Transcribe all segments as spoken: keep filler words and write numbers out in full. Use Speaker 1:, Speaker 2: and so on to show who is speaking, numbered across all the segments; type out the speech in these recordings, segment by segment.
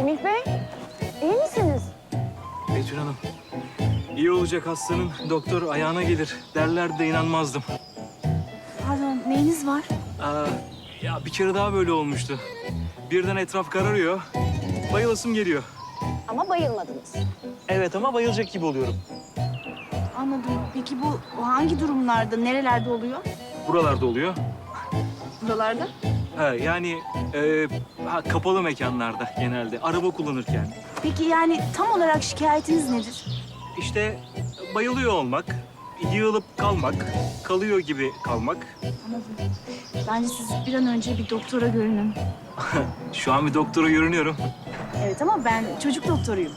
Speaker 1: Semih Bey, iyi misiniz?
Speaker 2: Betül Hanım, iyi olacak hastanın doktor ayağına gelir derler de inanmazdım.
Speaker 3: Pardon, neyiniz var?
Speaker 2: Aa, ya bir kere daha böyle olmuştu. Birden etraf kararıyor, bayılasım geliyor.
Speaker 1: Ama bayılmadınız.
Speaker 2: Evet ama bayılacak gibi oluyorum.
Speaker 3: Anladım. Peki bu hangi durumlarda, nerelerde oluyor?
Speaker 2: Buralarda oluyor.
Speaker 3: Buralarda?
Speaker 2: Ha, yani e, ha, kapalı mekanlarda genelde, araba kullanırken.
Speaker 3: Peki yani tam olarak şikayetiniz nedir?
Speaker 2: İşte bayılıyor olmak, yığılıp kalmak, kalıyor gibi kalmak.
Speaker 3: Anladım. Bence siz bir an önce bir doktora görünün.
Speaker 2: Şu an bir doktora görünüyorum.
Speaker 3: Evet ama ben çocuk doktoruyum.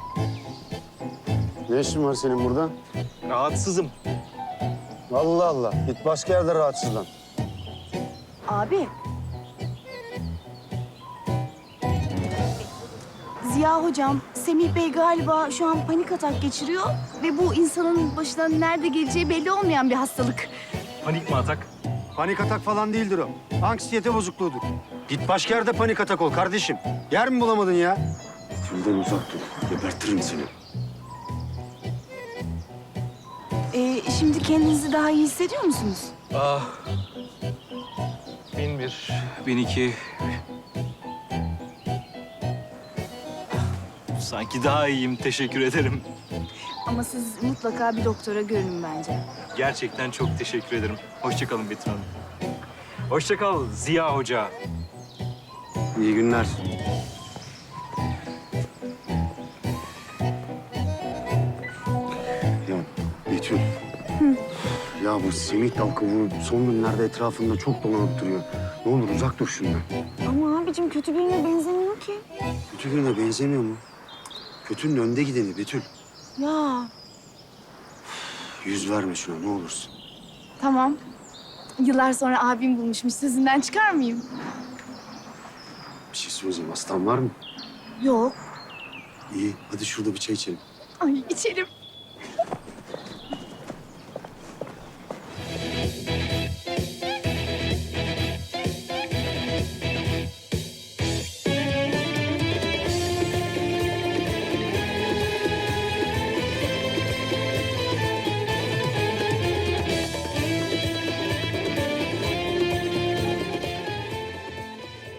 Speaker 4: Ne işin var senin burada?
Speaker 2: Rahatsızım.
Speaker 4: Allah Allah. Git başka yerde rahatsızlan.
Speaker 3: Abi. Ziya hocam, Semih Bey galiba şu an panik atak geçiriyor ve bu insanın başına nerede geleceği belli olmayan bir hastalık.
Speaker 2: Panik mi atak?
Speaker 4: Panik atak falan değildir o. Anksiyete bozukluğudur. Git başka yerde panik atak ol kardeşim. Yer mi bulamadın ya? Tülden uzak dur. Gebertirim seni.
Speaker 3: Ee, şimdi kendinizi daha iyi hissediyor musunuz?
Speaker 2: Ah. Bin bir, bin iki. Sanki daha iyiyim, teşekkür ederim.
Speaker 3: Ama siz mutlaka bir doktora görünün bence.
Speaker 2: Gerçekten çok teşekkür ederim. Hoşça kalın Betül Hanım. Hoşça kal Ziya Hoca.
Speaker 4: İyi günler. Ya Betül. Ya bu Semih Dalkı bu son günlerde etrafında çok dolanıp duruyor. Ne olur uzak dur şundan.
Speaker 1: Ama abicim kötü birine benzemiyor ki.
Speaker 4: Kötü birine benzemiyor mu? Kötünün önde gideni Betül.
Speaker 3: Ya
Speaker 4: Yüz verme şuna ne olursun.
Speaker 3: tamam. Yıllar sonra abim bulmuşmuş. Sözünden çıkar mıyım?
Speaker 4: Bir şey söyleyeceğim. Hastan var mı?
Speaker 3: Yok.
Speaker 4: İyi. Hadi şurada bir çay içelim.
Speaker 3: Ay içelim.